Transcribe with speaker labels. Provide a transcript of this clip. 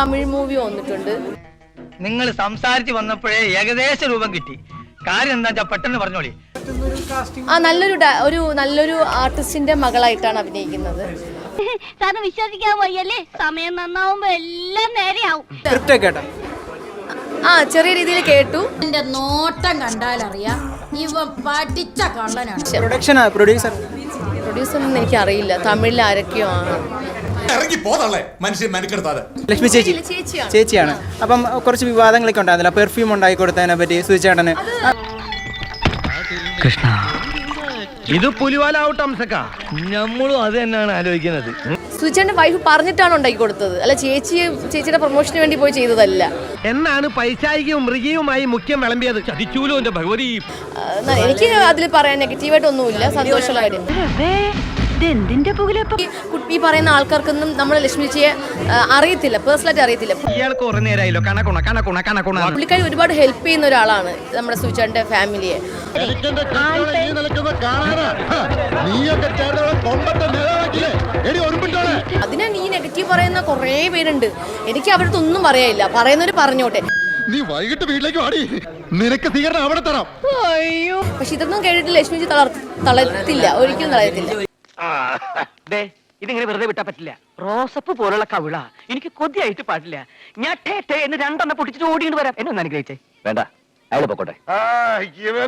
Speaker 1: Tamil movie വന്നിട്ടുണ്ട്.
Speaker 2: നിങ്ങൾ സംസാരിച്ച് വന്നപ്പോഴേ ഏകദേശ രൂപം കിട്ടി. കാര്യം എന്താ വെച്ചാൽ പെട്ടെന്ന് പറഞ്ഞോളി.
Speaker 1: നല്ലൊരു ആർട്ടിസ്റ്റിന്റെ മകളായിട്ടാണ് അഭിനയിക്കുന്നത്.
Speaker 3: വിശ്വസിക്കാൻ വയ്യല്ലേ? സമയം നന്നാവുമ്പോ എല്ലാം നേരെയാവും.
Speaker 1: ചെറിയ രീതിയിൽ കേട്ടു.
Speaker 4: എന്റെ നോട്ടം കണ്ടാലറിയാം ഇവ പഠിച്ച കള്ളനാണ്.
Speaker 1: പ്രൊഡ്യൂസർ ഒന്നും എനിക്ക് അറിയില്ല. തമിഴിൽ ആരൊക്കെയോ ആണ്.
Speaker 5: ലക്ഷ്മി ചേച്ചിയാണ്. അപ്പം കുറച്ച് വിവാദങ്ങളൊക്കെ ഉണ്ടായിരുന്നില്ല. പെർഫ്യൂം ഉണ്ടാക്കി കൊടുത്തതിനെ പറ്റി സുചേട്ടന്.
Speaker 2: കൃഷ്ണ, ഇത് പുലിവാലാവട്ടെ അംസക്ക. നമ്മളും അത് തന്നെയാണ് ആലോചിക്കുന്നത്.
Speaker 1: സുചേട്ടന്റെ വൈഫ് പറഞ്ഞിട്ടാണ് ഉണ്ടാക്കി കൊടുത്തത്, അല്ല ചേച്ചിയുടെ പ്രൊമോഷന് വേണ്ടി പോയി ചെയ്തതല്ല
Speaker 2: എന്നാണ് പൈശാചികവും മൃഗീയവുമായി മുഖ്യം വിളമ്പിയത്. ചതിച്ചൂലോ എന്റെ ഭഗവതി.
Speaker 1: എനിക്ക് അതിൽ പറയാൻ നെഗറ്റീവായിട്ടൊന്നുമില്ല. സന്തോഷമുള്ള കാര്യം. ഈ പറയുന്ന ആൾക്കാർക്കൊന്നും നമ്മളെ ലക്ഷ്മി ചേച്ചിയെ അറിയത്തില്ല, പേഴ്സണലായിട്ട് അറിയത്തില്ല. പുള്ളിക്കാരി ഒരുപാട് ഹെൽപ്പ് ചെയ്യുന്ന ഒരാളാണ് നമ്മുടെ സുചേട്ടന്റെ ഫാമിലിയെ. അതിനാണ് ഈ നെഗറ്റീവ് പറയുന്ന കുറേ പേരുണ്ട്. എനിക്ക് അവരുടെ ഒന്നും പറയാനില്ല. പറയുന്നവര് പറഞ്ഞോട്ടെ.
Speaker 6: നീ വൈകിട്ട് വീട്ടിലേക്ക് വാടി, നിനക്ക് സ്വീകരണം അവിടെ തരാം.
Speaker 1: അയ്യോ, പക്ഷെ ഇതൊന്നും കേട്ടിട്ട് ലക്ഷ്മി ചേച്ചി തളർത്തില്ല, ഒരിക്കലും തളർത്തില്ല.
Speaker 2: ഇതിങ്ങനെ വെറുതെ വിട്ടാ പറ്റില്ല. റോസപ്പ് പോലുള്ള കവിള എനിക്ക് കൊതിയായിട്ട് പാടില്ല. ഞാൻ എന്ന് രണ്ടെണ്ണം പൊട്ടിച്ചിട്ട് ഓടിയിട്ട് വരാം. എന്നെ ഒന്ന് അനുഗ്രഹിച്ചേ.
Speaker 6: വേണ്ട, അയാൾ പൊക്കോട്ടെ.